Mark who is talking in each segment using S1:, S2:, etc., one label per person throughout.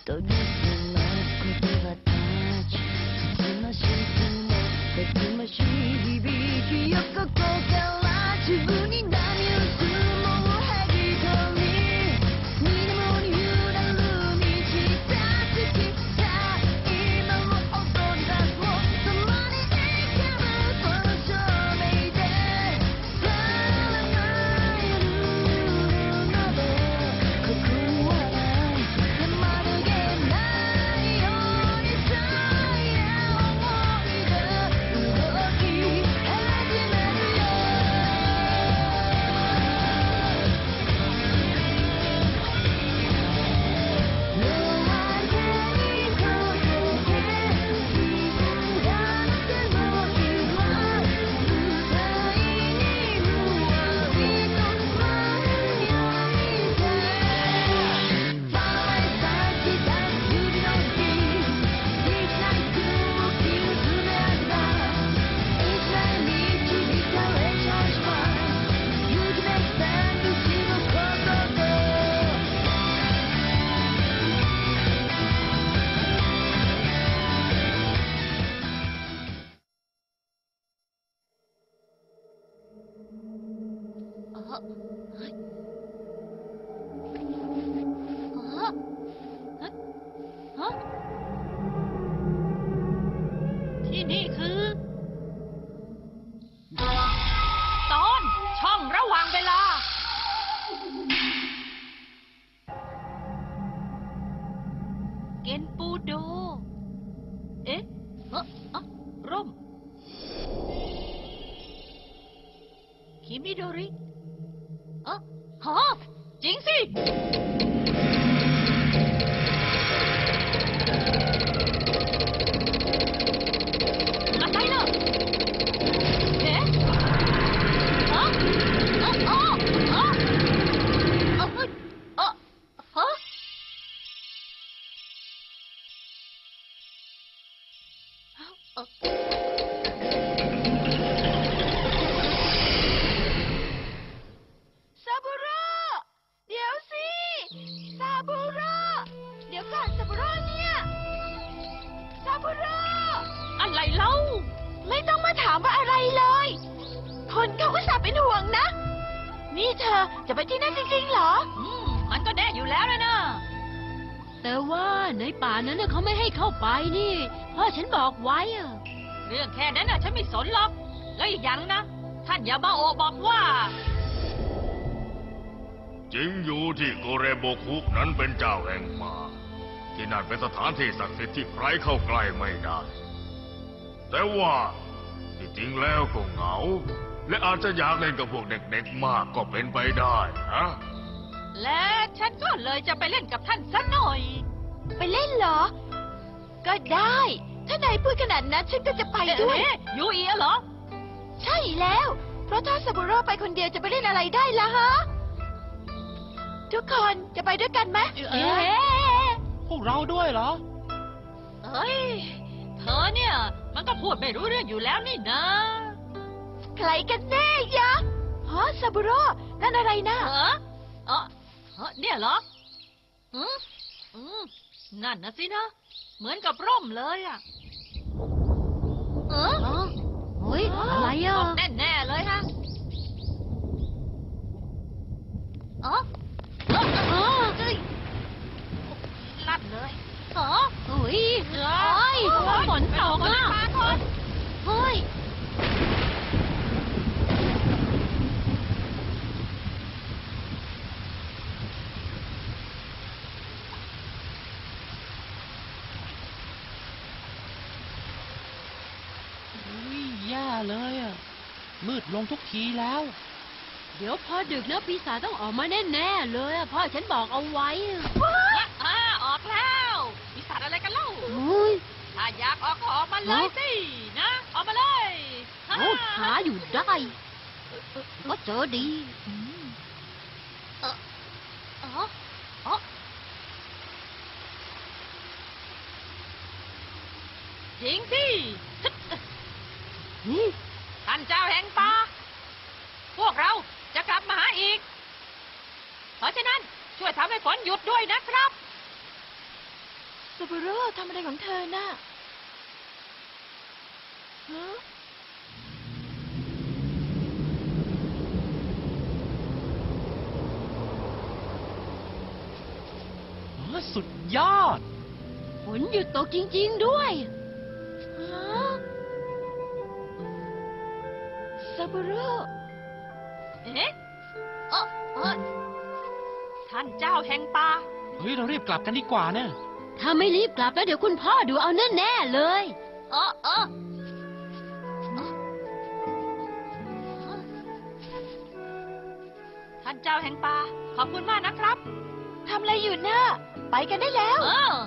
S1: 研ぎ澄ます言葉たちつつましくもたくましい響きよここから自分に波打つもうはぎ取り水面に揺らる満ちた月さ今も踊り出すも共に生きるこの証明でさらない夜などここにはないまるげないようにさえ思い出動き始めるよ夜明けに溶けて自分がなくの日は舞台にふわりと舞うようにささえ咲き出す百合の木一内空気を詰め上げた一内導かれちゃうしまい雪めきた口のことと
S2: ที่นี่คือตอนช่องระหว่างเวลาเกนปูโดเอ๊ะร่มคิมิโดริฮะจริงสิอะไรเนอะเอ๊ะฮะฮะซาบุโร่เดี๋ยวสิซาบุโร่เดี๋ยวก่อนซาบุโร่เนี่ยซาบุโร่อะไรเล่าไม่ต้องมาถามว่าอะไรเลยคนเขาก็สาเป็นห่วงนะนี่เธอจะไปที่นั่นจริงๆเหรอมันก็แน่อยู่แล้วเลยนะ
S1: แต่ว่าในป่านั้นน่ะเขาไม่ให้เข้าไปนี่พ่อฉันบอกไว้อะ
S2: เรื่องแค่นั้นน่ะฉันไม่สนหรอกแล้วอีกอย่างนะท่านยามาโอะบอกว่า
S3: จริงอยู่ที่โกเรโบคุนั้นเป็นเจ้าแห่งป่าที่นั่นเป็นสถานที่ศักดิ์สิทธิ์ที่ใครเข้าใกล้ไม่ได้ แต่ว่าที่จริงแล้วก็เหงา และอาจจะอยากเล่นกับพวกเด็กๆมากก็เป็นไปได้นะ
S2: และฉันก็เลยจะไปเล่นกับท่านซะหน่อยไปเล่นเหรอก็ได้ถ้านายพูดขนาดนั้นฉันก็จะไปด้วยยูอีเหรอใช่แล้วเพราะถ้าซาบุโร่ไปคนเดียวจะไปเล่นอะไรได้ล่ะฮะทุกคนจะไปด้วยกันไหม
S4: พวกเราด้วยเหรอ
S2: เอ้ยเธอเนี่ยมันก็พูดไม่รู้เรื่องอยู่แล้วนี่นะใครกันแน่ยะฮะซาบุโร่นั่นอะไรนะเนี่ยเหรอนั่นนะสินะเหมือนกับร่มเลยอ่ะ
S1: เฮ้ยอะไรอ่ะ
S2: แน่ๆเลยฮะลัดเลย
S1: เฮ้ยฝนตกอ่ะเฮ้ย
S4: แย่เลยอ่ะมืดลงทุกทีแล้ว
S1: เดี๋ยวพอดึกแล้วปีศาจต้องออกมาแน่ๆเลยพ่อฉันบอกเอาไว้
S2: ออกแล้วปีศาจอะไรกันเล่าถ้าอยากออกก็ออกมาเลยสินะออกมาเลย
S1: หาอยู่ได้ก็เจอดี
S2: จริงสิท่านเจ้าแห่งป่าพวกเราจะกลับมาหาอีกเพราะฉะนั้นช่วยทำให้ฝนหยุดด้วยนะครับซาบุโร่ทำอะไรของเธอน่ะฮะ
S4: สุดยอด
S1: ฝนหยุดตกจริงๆด้วย
S2: ฮะซาบุโร่เอ๊ะเออเออท่านเจ้าแห่งป่า
S4: เฮ้ย เรารีบกลับกันดีกว่านะ
S1: ถ้าไม่รีบกลับแล้วเดี๋ยวคุณพ่อดูเอาแน่ๆเลย
S2: เออเออท่านเจ้าแห่งป่าขอบคุณมากนะครับทำอะไรอยู่น่ะไปกันได้แล้ว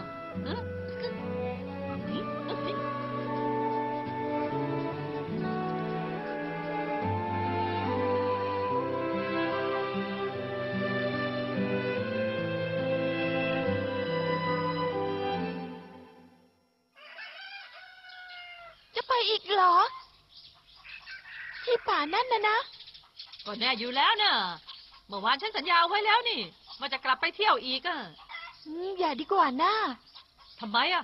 S2: จะไปอีกเหรอ ที่ป่านั่นนะก็แน่อยู่แล้วเนอะเมื่อวานฉันสัญญาเอาไว้แล้วนี่ว่าจะกลับไปเที่ยวอีกอะอย่าดีกว่านะทำไมอะ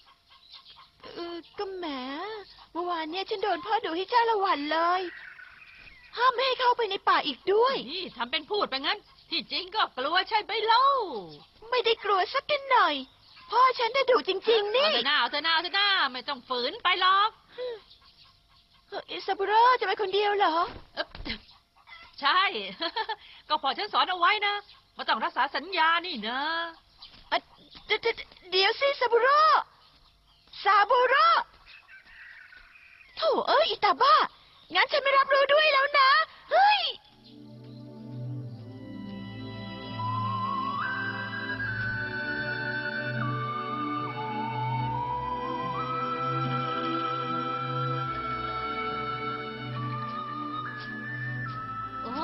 S2: ก็แหมเมื่อวานเนี่ยฉันโดนพ่อดุให้จ้าละวันเลย ห้ามไม่ให้เข้าไปในป่าอีกด้วยนี่ทำเป็นพูดไปงั้น ที่จริงก็กลัวใช่ไหมเล่าไม่ได้กลัวสักกันหน่อย พ่อฉันน่ะดุจริงๆนี่เอาเถอะหน้าเอาเถอะหน้าเอาเถอะหน้าไม่ต้องฝืนไปหรอกอิซาบุโร่จะไปคนเดียวเหรอใช่ ก็พอฉันสอนเอาไว้นะว่าต้องรักษาสัญญานี่นะเดี๋ยวสิซาบุโร่โถ่เอ้ยอิตาบ้างั้นฉันไม่รับรู้ด้วยแล้วนะเฮ้ยโอ้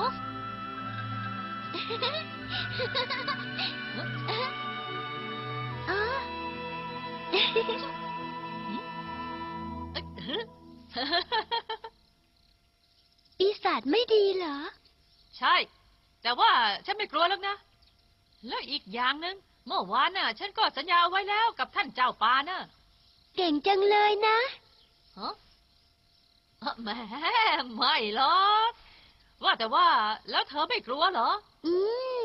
S2: ปีศาจไม่ดีเหรอใช่แต่ว่าฉันไม่กลัวแล้วนะแล้วอีกอย่างหนึ่งเมื่อวานน่ะฉันก็สัญญาเอาไว้แล้วกับท่านเจ้าป่าน่ะเก่งจังเลยนะฮะแหมไม่หรอกว่าแต่ว่าแล้วเธอไม่กลัวเหรอ